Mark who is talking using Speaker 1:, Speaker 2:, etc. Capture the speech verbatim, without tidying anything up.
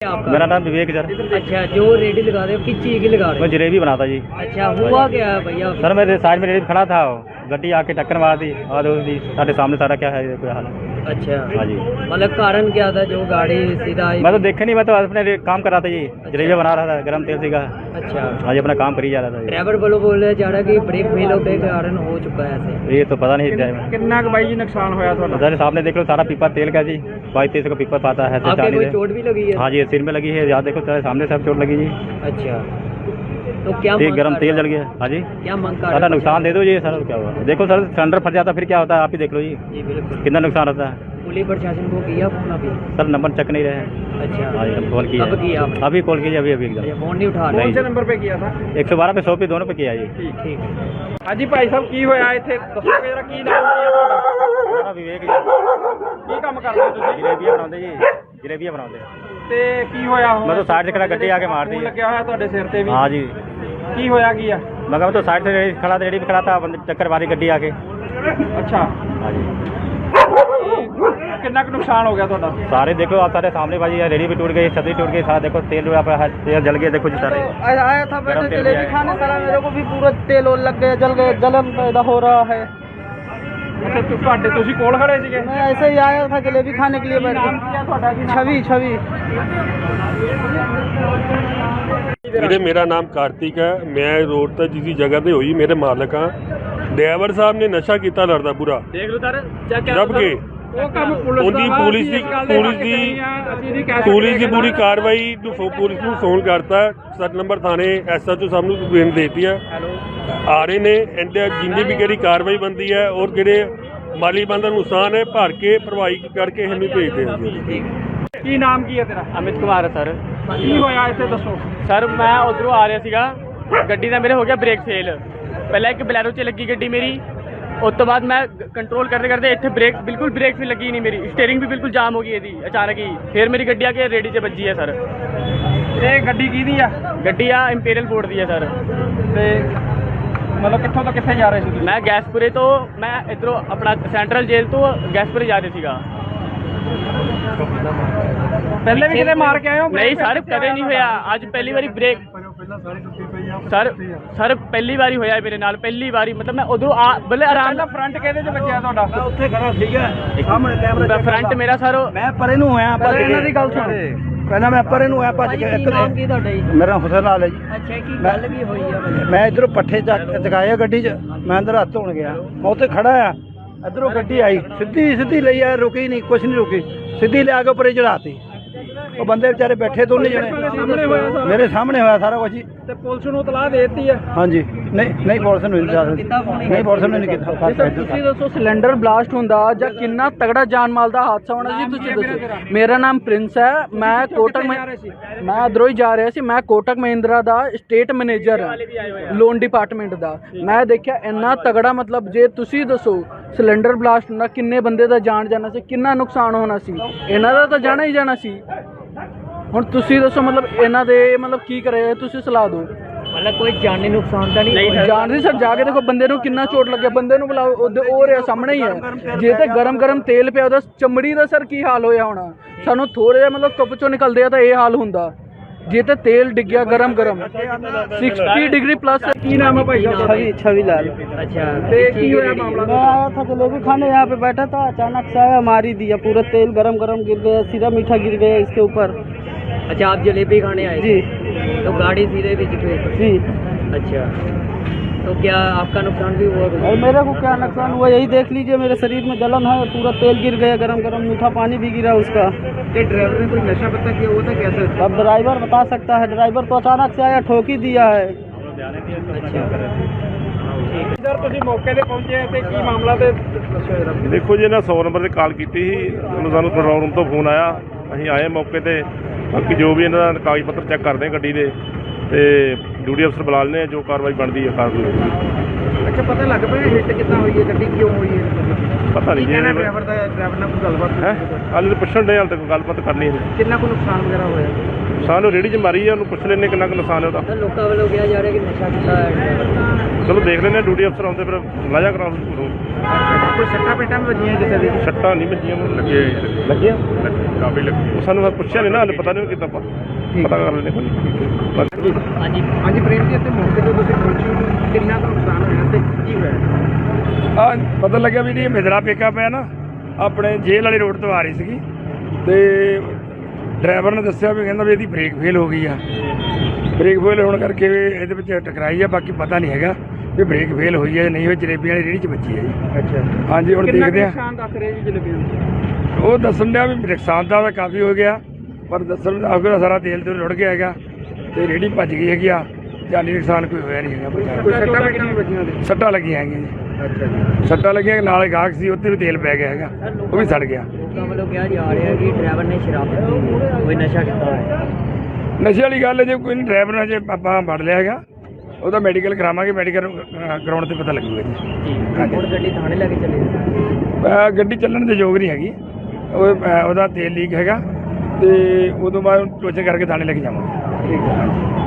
Speaker 1: आपका?
Speaker 2: मेरा नाम विवेक सर।
Speaker 1: अच्छा, जो रेडी लगा रहे हो किस चीज़ की लगा रहे
Speaker 2: मैं
Speaker 1: हो?
Speaker 2: जलेबी बनाता जी।
Speaker 1: अच्छा, हुआ क्या है भैया?
Speaker 2: सर मेरे साइड में रेडी खड़ा था, गड्डी आके टक्कर मार दी और उसकी साढ़े सामने सारा क्या है कोई हाल है।
Speaker 1: अच्छा
Speaker 2: हाँ जी।
Speaker 1: मतलब कारण क्या था जो गाड़ी सीधा आई?
Speaker 2: मैं तो देखे नहीं, मैं तो अपने रे- काम कर रहा था जी, जलेबी बना रहा था गर्म तेल से का।
Speaker 1: अच्छा,
Speaker 2: हाँ जी, अपना काम करी जा रहा था जी।
Speaker 1: ड्राइवर बोलो बोल रहे जा रहा कि ब्रेक फेल होने के कारण हो चुका है ऐसे।
Speaker 2: ये तो पता नहीं ड्राइवर।
Speaker 3: कितना कुछ भाई जी नुकसान होया थोड़ा?
Speaker 2: सर सामने देख लो, सारा पीपा तेल का जी, बाईस तेईस का पीपा पाता है।
Speaker 1: आपके कोई चोट भी लगी है?
Speaker 2: हाँ जी, सिर में लगी है, याद देखो सर सामने सब चोट लगी जी।
Speaker 1: अच्छा, तो क्या
Speaker 2: ठीक
Speaker 1: मांग
Speaker 2: गर्म
Speaker 1: कर
Speaker 2: तेल
Speaker 1: रहे
Speaker 2: जल
Speaker 1: हो?
Speaker 2: गया। हाँ जी,
Speaker 1: क्या मांग कर
Speaker 2: सारा
Speaker 1: रहे हो?
Speaker 2: नुकसान दे दो जी सर, क्या हुआ देखो सर, सिलेंडर फट जाता फिर क्या होता है आप ही देख लो जी,
Speaker 1: जी बिल्कुल।
Speaker 2: कितना नुकसान होता है।
Speaker 1: पुलिस प्रशासन को किया फोन अभी?
Speaker 2: सर नंबर चेक नहीं रहे हैं।
Speaker 1: अच्छा,
Speaker 2: हाँ जी, कॉल किया
Speaker 1: कब किया आपने?
Speaker 2: अभी कॉल कीजिए, अभी अभी
Speaker 1: अच्छा,
Speaker 2: एकदम
Speaker 1: फोन नहीं उठा
Speaker 2: नहीं।
Speaker 1: रहे?
Speaker 3: कौन से नंबर पे किया था?
Speaker 2: एक सौ बारह पे सौ पे दोनों पे किया जी।
Speaker 1: ठीक ठीक
Speaker 3: हाँ जी भाई साहब की होया इत्थे दसोगे जरा की नाम की है ਤੁਹਾਡਾ?
Speaker 2: मेरा विवेक जी,
Speaker 3: ਕੀ ਕੰਮ ਕਰਦੇ ਹੋ ਤੁਸੀਂ?
Speaker 2: जलेबियाँ बनाते जी, जलेबियाँ बनाते।
Speaker 3: ਤੇ ਕੀ ਹੋਇਆ ਹੁਣ?
Speaker 2: मैं तो साइड से खड़ा गड्डी आके मार दी।
Speaker 3: ਫੋਨ ਲੱਗਿਆ ਹੋਇਆ ਤੁਹਾਡੇ ਸਿਰ ਤੇ ਵੀ?
Speaker 2: हाँ जी,
Speaker 3: ਕੀ ਹੋਇਆ ਕੀ ਆ?
Speaker 2: मगर मैं तो साइड से रेडी खड़ा था, रेडी पे खड़ा था, बंदे टक्कर मारी गड्डी आके।
Speaker 3: ਅੱਛਾ,
Speaker 2: हाँ जी,
Speaker 3: ਕਿੰਨਾ ਕੁ ਨੁਕਸਾਨ ਹੋ ਗਿਆ ਤੁਹਾਡਾ?
Speaker 2: सारे देखो आप सारे सामने भाजी, रेडी भी टूट गई, छतरी टूट गई, सारा देखो तेल जो आप तेल जल गया, देखो जी सारे।
Speaker 4: आया था
Speaker 2: गरम
Speaker 4: बैठे
Speaker 2: तेल
Speaker 4: जलेबी
Speaker 2: भी आया।
Speaker 4: खाने, सारा मेरे को भी पूरा तेल और लग गया, जल गया, जलन पैदा हो रहा है।
Speaker 3: ਅੱਛਾ, ਤੁ- ਤੁਹਾਡੇ ਤੁਸੀਂ ਕੋਲ ਖੜੇ ਸੀਗੇ?
Speaker 4: मैं ऐसे ही आया था जलेबी खाने के लिए बैठ
Speaker 3: ਨਾਮ ਕੀ ਆ ਤੁਹਾਡਾ? ਕੀ
Speaker 4: के।
Speaker 3: ਨਾਮ?
Speaker 4: छवि छवि
Speaker 5: ਵੀਰੇ ਮੇਰਾ ਨਾਮ ਕਾਰਤਿਕ ਹੈ। ਮੈਂ ਰੋਡ ਤੇ ਜਿਸ ਜਗ੍ਹਾ ਤੇ ਹੋਈ ਮੇਰੇ ਮਾਲਕ ਹਾਂ। ਡਰਾਈਵਰ ਸਾਹਿਬ ਨੇ ਨਸ਼ਾ ਕੀਤਾ ਲੜਦਾ ਪੂਰਾ,
Speaker 1: देख लो सर, चेक
Speaker 5: ਜਦ ਕਿ
Speaker 3: ਉਹ ਕੰਮ ਪੁਲਿਸ
Speaker 5: ਉਹਦੀ
Speaker 3: ਦਾ ਵਾ,
Speaker 5: ਪੁਲਿਸ
Speaker 3: ਅਸੀਂ
Speaker 5: ਦੀ
Speaker 3: ਇਸ ਗੱਲ ਦੇ
Speaker 5: ਪੁਲਿਸ
Speaker 3: ਹੱਕ
Speaker 5: ਦੀ
Speaker 3: ਨਹੀਂ ਆ, ਅਸੀਂ ਨਹੀਂ ਕਹਿ
Speaker 5: ਪੁਲਿਸ ਦੀ
Speaker 3: ਸਕਦੇ
Speaker 5: ਪੂਰੀ
Speaker 3: ਕਿ
Speaker 5: ਕਾਰਵਾਈ ਨੂੰ ਫੋ- ਪੁਲਿਸ ਨੂੰ ਫੋਨ ਕਰਤਾ, ਸੱਤ ਨੰਬਰ ਥਾਣੇ ਐਸਐਚਓ ਸਾਹਿਬ ਨੂੰ ਕੰਪਲੇਂਟ ਦੇਤੀ ਹੈ। ਆ ਰਹੇ ਨੇ ਇਹਦੇ ਜਿੰਨੀ ਵੀ ਕਿਹੜੀ ਕਾਰਵਾਈ ਬਣਦੀ ਹੈ ਔਰ ਜਿਹੜੇ ਮਾਲੀ ਬੰਦਾ ਨੁਕਸਾਨ ਹੈ ਭਰ ਕੇ ਭਰਵਾਈ ਕਰਕੇ ਇਹਨੂੰ ਭੇਜਦੇ ਹਾਂ ਜੀ।
Speaker 3: ਕੀ ਨਾਮ ਕੀ ਹੈ ਤੇਰਾ?
Speaker 6: ਅਮਿਤ ਕੁਮਾਰ ਸਰ।
Speaker 3: ਕੀ ਹੋਇਆ ਇੱਥੇ ਦੱਸੋ?
Speaker 6: ਸਰ ਮੈਂ ਉਧਰੋਂ ਆ ਰਿਹਾ ਸੀਗਾ, ਗੱਡੀ ਦਾ ਮੇਰੇ ਹੋ ਗਿਆ ਬ੍ਰੇਕ ਫੇਲ। ਪਹਿਲਾਂ ਇੱਕ ਬਲੈਰੋ 'ਚ ਲੱਗੀ ਗੱਡੀ ਮੇਰੀ, ਉਸ ਤੋਂ ਬਾਅਦ ਮੈਂ ਕੰਟਰੋਲ ਕਰਦੇ ਕਰਦੇ ਇੱਥੇ ਬ੍ਰੇਕ ਬਿਲਕੁਲ ਬ੍ਰੇਕ ਵੀ ਲੱਗੀ ਨਹੀਂ ਮੇਰੀ, ਸਟੀਅਰਿੰਗ ਵੀ ਬਿਲਕੁਲ ਜਾਮ ਹੋ ਗਈ ਇਹਦੀ ਅਚਾਨਕ ਹੀ। ਫਿਰ ਮੇਰੀ ਗੱਡੀ ਆ ਕੇ ਰੇੜੀ 'ਚ ਵੱਜੀ ਹੈ ਸਰ।
Speaker 3: ਇਹ ਗੱਡੀ ਕਿਹਦੀ ਆ?
Speaker 6: ਗੱਡੀ ਆ ਇੰਪੀਰੀਅਲ ਫੋਰਡ ਦੀ ਹੈ ਸਰ।
Speaker 3: ਤੇ ਮਤਲਬ ਕਿੱਥੋਂ ਤੋਂ ਕਿੱਥੇ ਜਾ ਰਹੇ ਸੀ ਤੁਸੀਂ?
Speaker 6: ਮੈਂ ਗੈਸਪੁਰੇ ਤੋਂ, ਮੈਂ ਇੱਧਰੋਂ ਆਪਣਾ ਸੈਂਟਰਲ ਜੇਲ੍ਹ ਤੋਂ ਗੈਸਪੁਰੇ ਜਾ ਰਿਹਾ ਸੀਗਾ।
Speaker 3: ਪਹਿਲੇ ਵੀ ਕਿਤੇ ਮਾਰ ਕੇ ਆਏ ਹੋ?
Speaker 6: ਨਹੀਂ ਸਰ, ਕਦੇ ਨਹੀਂ ਹੋਇਆ, ਅੱਜ ਪਹਿਲੀ ਵਾਰੀ ਬ੍ਰੇਕ ਸਰ ਸਰ ਪਹਿਲੀ ਵਾਰੀ ਹੋਇਆ ਮੇਰੇ ਨਾਲ, ਪਹਿਲੀ ਵਾਰੀ। ਮਤਲਬ ਮੈਂ ਉਧਰੋਂ ਆ ਬੱਲੇ ਆਰਾਮ
Speaker 3: ਪਹਿਲਾਂ ਫਰੰਟ ਕਿਹਦੇ 'ਚ ਵੱਜਿਆ ਤੁਹਾਡਾ?
Speaker 4: ਉੱਥੇ ਖੜਾ ਸੀਗਾ ਸਾਹਮਣੇ ਕੈਮਰਾ
Speaker 6: ਫਰੰਟ ਮੇਰਾ ਸਰ।
Speaker 4: ਮੈਂ ਪਰੇ ਨੂੰ ਹੋਇਆ ਭੱਜ ਕੇ।
Speaker 1: ਇਹਨਾਂ ਦੀ ਗੱਲ ਸੁਣ।
Speaker 4: ਪਹਿਲਾਂ ਮੈਂ ਪਰੇ ਨੂੰ ਹੋਇਆ ਭੱਜ
Speaker 1: ਭਾਜੀ
Speaker 4: ਕੇ।
Speaker 1: ਕੀ ਨਾਮ ਕੀ ਤੁਹਾਡਾ ਜੀ?
Speaker 4: ਮੇਰਾ ਹੁਸਨ ਲਾਲ ਹੈ ਜੀ।
Speaker 1: ਅੱਛਾ, ਕੀ ਗੱਲ ਕੀ ਹੋਈ ਆ ਭਾਜੀ?
Speaker 4: ਮੈਂ ਇਧਰੋਂ ਪੱਠੇ ਚੱਕ ਚਕਾਏ ਗੱਡੀ 'ਚ, ਮੈਂ ਅੰਦਰ ਹੱਥ ਧੋਣ ਗਿਆ, ਮੈਂ ਉੱਥੇ ਖੜਾ ਆ, ਇਧਰੋਂ ਗੱਡੀ ਆਈ ਸਿੱਧੀ ਸਿੱਧੀ ਲਈ ਆ, ਰੁਕੀ ਨਹੀਂ, ਕੁਛ ਨਹੀਂ ਰੁਕੀ, ਸਿੱਧੀ ਲਿਆ ਕੇ ਉੱਪਰੇ ਚੜਾਤੀ। ਉਹ ਬੰਦੇ ਵਿਚਾਰੇ ਬੈਠੇ ਦੋਨੇ ਜਣੇ
Speaker 3: ਸਾਹਮਣੇ ਹੋਇਆ ਸਾਰਾ?
Speaker 4: ਮੇਰੇ ਸਾਹਮਣੇ ਹੋਇਆ ਸਾਰਾ ਕੁਝ ਜੀ।
Speaker 3: ਤੇ ਪੁਲਿਸ ਨੂੰ ਇਤਲਾਹ ਦੇ ਦਿੱਤੀ ਆ?
Speaker 4: ਹਾਂਜੀ, ਨਹੀਂ ਨਹੀਂ ਪੁਲਿਸ ਨੂੰ ਨਹੀਂ ਦੱਸ
Speaker 1: ਕੀਤਾ ਫੋਨ?
Speaker 4: ਨਹੀਂ ਪੁਲਿਸ ਨੂੰ ਨਹੀਂ ਕੀਤਾ।
Speaker 7: ਤੁਸੀਂ ਦੱਸੋ ਸਿਲੰਡਰ ਬਲਾਸਟ ਹੁੰਦਾ ਜਾਂ ਕਿੰਨਾ ਤਗੜਾ ਜਾਨ ਮਾਲ ਦਾ ਹਾਦਸਾ ਹੋਣਾ ਜੀ, ਤੁਸੀਂ ਦੱਸੋ। ਮੇਰਾ ਨਾਮ ਪ੍ਰਿੰਸ ਹੈ, ਮੈਂ ਕੋਟਕ ਮਹਿ- ਮੈਂ ਅਧਰੋਂ ਹੀ ਜਾ ਰਿਹਾ ਸੀ। ਮੈਂ ਕੋਟਕ ਮਹਿੰਦਰਾ ਦਾ ਸਟੇਟ ਮੈਨੇਜਰ ਹਾਂ, ਲੋਨ ਡਿਪਾਰਟਮੈਂਟ ਦਾ। ਮੈਂ ਦੇਖਿਆ ਇੰਨਾ ਤਗੜਾ, ਮਤਲਬ ਜੇ ਤੁਸੀਂ ਦੱਸੋ ਸਿਲੰਡਰ ਬਲਾਸਟ ਹੁੰਦਾ ਕਿੰਨੇ ਬੰਦੇ ਦਾ ਜਾਨ ਜਾਣਾ ਸੀ, ਕਿੰਨਾ ਨੁਕਸਾਨ ਹੋਣਾ ਸੀ। ਇਹਨਾਂ ਦਾ ਤਾਂ ਜਾਣਾ ਹੀ ਜਾਣਾ ਸੀ। ਹੁਣ ਤੁਸੀਂ ਦੱਸੋ ਮਤਲਬ ਇਹਨਾਂ ਦੇ ਮਤਲਬ ਕੀ ਕਰੇ, ਤੁਸੀਂ ਸਲਾਹ ਦਿਓ।
Speaker 1: मतलब कोई जानी नुकसान तो नहीं?
Speaker 6: नहीं
Speaker 7: ਜਾਣ ਦੀ ਸਰ, ਜਾ ਕੇ ਦੇਖੋ ਬੰਦੇ ਨੂੰ ਕਿੰਨਾ ਚੋਟ ਲੱਗਿਆ, ਬੰਦੇ ਨੂੰ ਬੁਲਾਓ, ਉਹਦੇ ਉਹ ਰਿਹਾ ਸਾਹਮਣੇ ਹੀ ਹੈ। ਜੇ ਤੇ ਗਰਮ ਗਰਮ ਤੇਲ ਪਿਆ ਉਹਦਾ ਚਮੜੀ ਦਾ ਸਰ ਕੀ ਹਾਲ ਹੋਇਆ ਹੋਣਾ। ਸਾਨੂੰ ਥੋੜਾ ਜਿਹਾ ਮਤਲਬ ਧੁੱਪ ਚੋਂ ਨਿਕਲਦੇ ਆ ਤਾਂ ਇਹ ਹਾਲ ਹੁੰਦਾ। ਜੇ ਤੇ ਤੇਲ ਡਿੱਗਿਆ ਗਰਮ ਗਰਮ सिक्सटी डिग्री प्लस।
Speaker 3: ਕੀ ਨਾਮ ਹੈ ਭਾਈ ਸਾਹਿਬ?
Speaker 4: छवि छवि लाल।
Speaker 1: अच्छा,
Speaker 3: ਤੇ ਕੀ ਹੋਇਆ ਮਾਮਲਾ?
Speaker 4: मैं आया था जलेबी खाने, यहाँ पे बैठा था, अचानक से आया, मार ही दिया, पूरा तेल गरम गरम गिर गया, सीधा मीठा गिर गया इसके ऊपर
Speaker 1: अच्छा, आप जलेबी खाने आए
Speaker 4: जी
Speaker 1: थे? तो गाड़ी सीधे बीच पे?
Speaker 4: जी।
Speaker 1: अच्छा, तो क्या आपका नुकसान भी हुआ?
Speaker 4: और मेरे को क्या नुकसान हुआ यही देख लीजिए, मेरे शरीर में जलन है, पूरा तेल गिर गया, गरम गरम मीठा पानी भी गिरा उसका।
Speaker 3: ड्राइवर ने कोई नशा पता किया हुआ था कैसे?
Speaker 4: अब ड्राइवर बता सकता है, ड्राइवर तो अचानक से आया, ठोक ही दिया है।
Speaker 3: ਸਰ ਤੁਸੀਂ ਮੌਕੇ ਤੇ ਪਹੁੰਚੇ ਤੇ ਕੀ ਮਾਮਲਾ ਤੇ ਦੱਸੋ ਜਰਾ।
Speaker 5: ਦੇਖੋ ਜੀ, ਇਹਨਾਂ ਸੌ ਨੰਬਰ ਤੇ ਕਾਲ ਕੀਤੀ ਸੀ, ਉਹਨੂੰ ਸਾਨੂੰ ਕੰਟਰੋਲ ਰੂਮ ਤੋਂ ਫੋਨ ਆਇਆ, ਅਸੀਂ ਆਏ ਮੌਕੇ ਤੇ। ਬਾਕੀ ਜੋ ਵੀ ਇਹਨਾਂ ਦਾ ਕਾਗਜ਼ ਪੱਤਰ ਚੈੱਕ ਕਰਦੇ ਹਾਂ ਗੱਡੀ ਦੇ, ਤੇ ਡਿਊਟੀ ਅਫਸਰ ਬੁਲਾ ਲੈਂਦੇ ਹਾਂ, ਜੋ ਕਾਰਵਾਈ ਬਣਦੀ ਹੈ ਕਾਰਵਾਈ ਹੋਊਗੀ।
Speaker 3: ਅੱਛਾ, ਪਤਾ ਲੱਗ ਪਿਆ ਹਿੱਟ ਕਿੱਦਾਂ ਹੋਈ ਹੈ, ਗੱਡੀ ਕਿਉਂ ਹੋਈ ਹੈ?
Speaker 5: ਪਤਾ ਨਹੀਂ ਜੀ,
Speaker 3: ਡਰਾਈਵਰ ਦਾ ਡਰਾਈਵਰ ਨਾਲ ਕੋਈ ਗੱਲਬਾਤ
Speaker 5: ਹੈ ਹਾਲੇ ਤਾਂ ਪੁੱਛਣ ਦੇ, ਹਾਲੇ ਤੱਕ ਗੱਲਬਾਤ ਕਰਨੀ ਹੈ।
Speaker 3: ਕਿੰਨਾ ਕੁ ਨੁਕਸਾਨ ਵਗੈਰਾ ਹੋਇਆ?
Speaker 8: ਨੁਕਸਾਨ ਉਹ ਰੇਹੜੀ 'ਚ ਮਾਰੀ ਆ, ਉਹਨੂੰ ਪੁੱਛ ਲੈਂਦੇ ਕਿੰਨਾ ਕੁ ਨੁਕਸਾਨ ਹੈ ਉਹਦਾ।
Speaker 1: ਸਰ ਲੋਕਾਂ ਵੱਲੋਂ ਕਿਹਾ ਜਾ ਰਿਹਾ ਕਿ ਨਸ਼ਾ ਕੀਤਾ ਹੈ ਡਰਾਈਵਰ।
Speaker 8: ਚਲੋ ਦੇਖ ਲੈਂਦੇ ਹਾਂ, ਡਿਊਟੀ ਅਫਸਰ ਆਉਂਦੇ ਫਿਰ ਲਾਜਾ ਕਰਾ
Speaker 3: ਕੋਈ ਸੱਟਾਂ ਪੇਟਾਂ ਵੀ ਵੱਜੀਆਂ ਕਿਸੇ ਦੇ?
Speaker 8: ਸੱਟਾਂ ਨਹੀਂ ਵੱਜੀਆਂ, ਮੈਨੂੰ ਲੱਗੇ
Speaker 3: ਲੱਗੀਆਂ?
Speaker 8: ਕਾਫੀ ਲੱਗੀ। ਉਹ ਸਾਨੂੰ ਪੁੱਛਿਆ ਨਹੀਂ ਨਾ, ਹਾਲੇ ਪਤਾ ਨਹੀਂ ਕਿੱਦਾਂ ਆਪਾਂ ਪਤਾ ਕਰ ਲੈਂਦੇ ਕੋਈ।
Speaker 1: ਹਾਂਜੀ
Speaker 3: ਹਾਂਜੀ ਪ੍ਰੇਮ ਜੀ, ਇੱਥੇ ਮੌਕੇ ਤੇ ਤੁਸੀਂ ਪਹੁੰਚੇ ਹੋ, ਕਿੰਨਾ ਕੁ ਨੁਕਸਾਨ ਹੋਇਆ ਤੇ ਕੀ ਹੋਇਆ?
Speaker 9: ਆ ਪਤਾ ਲੱਗਿਆ ਵੀ ਜੀ ਮਿਦਰਾ ਪਿਕਅਪ ਹੈ ਨਾ, ਆਪਣੇ ਜੇਲ੍ਹ ਵਾਲੀ ਰੋਡ ਤੋਂ ਆ ਰਹੀ ਸੀਗੀ ਤੇ ਡਰਾਈਵਰ ਨੇ ਦੱਸਿਆ ਵੀ ਕਹਿੰਦਾ ਵੀ ਇਹਦੀ ਬ੍ਰੇਕ ਫੇਲ ਹੋ ਗਈ ਆ। ਬ੍ਰੇਕ ਫੇਲ ਹੋਣ ਕਰਕੇ ਇਹਦੇ ਵਿੱਚ ਟਕਰਾਈ ਆ, ਬਾਕੀ ਪਤਾ ਨਹੀਂ ਹੈਗਾ ਵੀ ਬ੍ਰੇਕ ਫੇਲ ਹੋਈ ਹੈ ਨਹੀਂ ਹੋਈ। ਜਲੇਬੀਆਂ ਵਾਲੀ ਰੇਹੜੀ 'ਚ ਵੱਜੀ ਹੈ ਜੀ।
Speaker 3: ਅੱਛਾ
Speaker 9: ਹਾਂਜੀ, ਹੁਣ ਦੇਖਦੇ ਆ।
Speaker 3: ਨੁਕਸਾਨ ਦੱਸ ਰਹੇ ਜੀ ਜਲੇਬੀਆਂ ਦਾ?
Speaker 9: ਉਹ ਦੱਸਣ ਡਿਆ ਵੀ ਨੁਕਸਾਨ ਦਾ ਤਾਂ ਕਾਫੀ ਹੋ ਗਿਆ, ਪਰ ਦੱਸਣ ਦਾ ਸਾਰਾ ਤੇਲ ਤੇ ਰੁੜ ਗਿਆ ਹੈਗਾ ਤੇ ਰੇਹੜੀ ਭੱਜ ਗਈ ਹੈਗੀ ਆ। ਜਾਨੀ ਨੁਕਸਾਨ ਕੋਈ ਹੋਇਆ ਨਹੀਂ ਹੈਗਾ।
Speaker 3: ਕੋਈ ਸੱਟਾਂ ਪੇਟਾਂ ਵੀ ਵੱਜੀਆਂ ਉਹਦੇ?
Speaker 9: ਸੱਟਾਂ ਲੱਗੀਆਂ ਹੈਗੀਆਂ ਜੀ।
Speaker 3: ਅੱਛਾ ਜੀ।
Speaker 9: ਸੱਟਾਂ ਲੱਗੀਆਂ, ਨਾਲ ਗਾਹਕ ਸੀ ਉੱਥੇ ਵੀ ਤੇਲ ਪੈ ਗਿਆ ਹੈਗਾ, ਉਹ ਵੀ ਸੜ ਗਿਆ।
Speaker 1: ਲੋਕਾਂ ਵੱਲੋਂ ਕਿਹਾ ਜਾ ਰਿਹਾ ਕਿ ਡਰਾਈਵਰ ਨੇ ਸ਼ਰਾਬ ਪੀਤੀ, ਕੋਈ ਨਸ਼ਾ ਕੀਤਾ ਹੈ।
Speaker 9: ਨਸ਼ੇ ਵਾਲੀ ਗੱਲ ਹੈ, ਜੇ ਕੋਈ ਨਹੀਂ ਡਰਾਈਵਰ ਨੇ ਜੇ ਆਪਾਂ ਫੜ ਲਿਆ ਹੈਗਾ ਉਹਦਾ ਮੈਡੀਕਲ ਕਰਾਵਾਂਗੇ, ਮੈਡੀਕਲ ਕਰਾਉਣ ਤੇ ਪਤਾ ਲੱਗੂਗਾ ਜੀ।
Speaker 1: ਹੁਣ ਗੱਡੀ ਥਾਣੇ ਲੈ ਕੇ ਚਲੇ
Speaker 9: ਅਹ ਗੱਡੀ ਚੱਲਣ ਦੇ ਯੋਗ ਨਹੀਂ ਹੈਗੀ, ਉਹ ਅਹ ਉਹਦਾ ਤੇਲ ਲੀਕ ਹੈਗਾ ਤੇ ਉਦੋਂ ਬਾਅਦ ਟੋਚਨ ਕਰਕੇ ਥਾਣੇ ਲੈ ਕੇ ਜਾਵਾਂਗੇ।
Speaker 3: ਠੀਕ ਹੈ।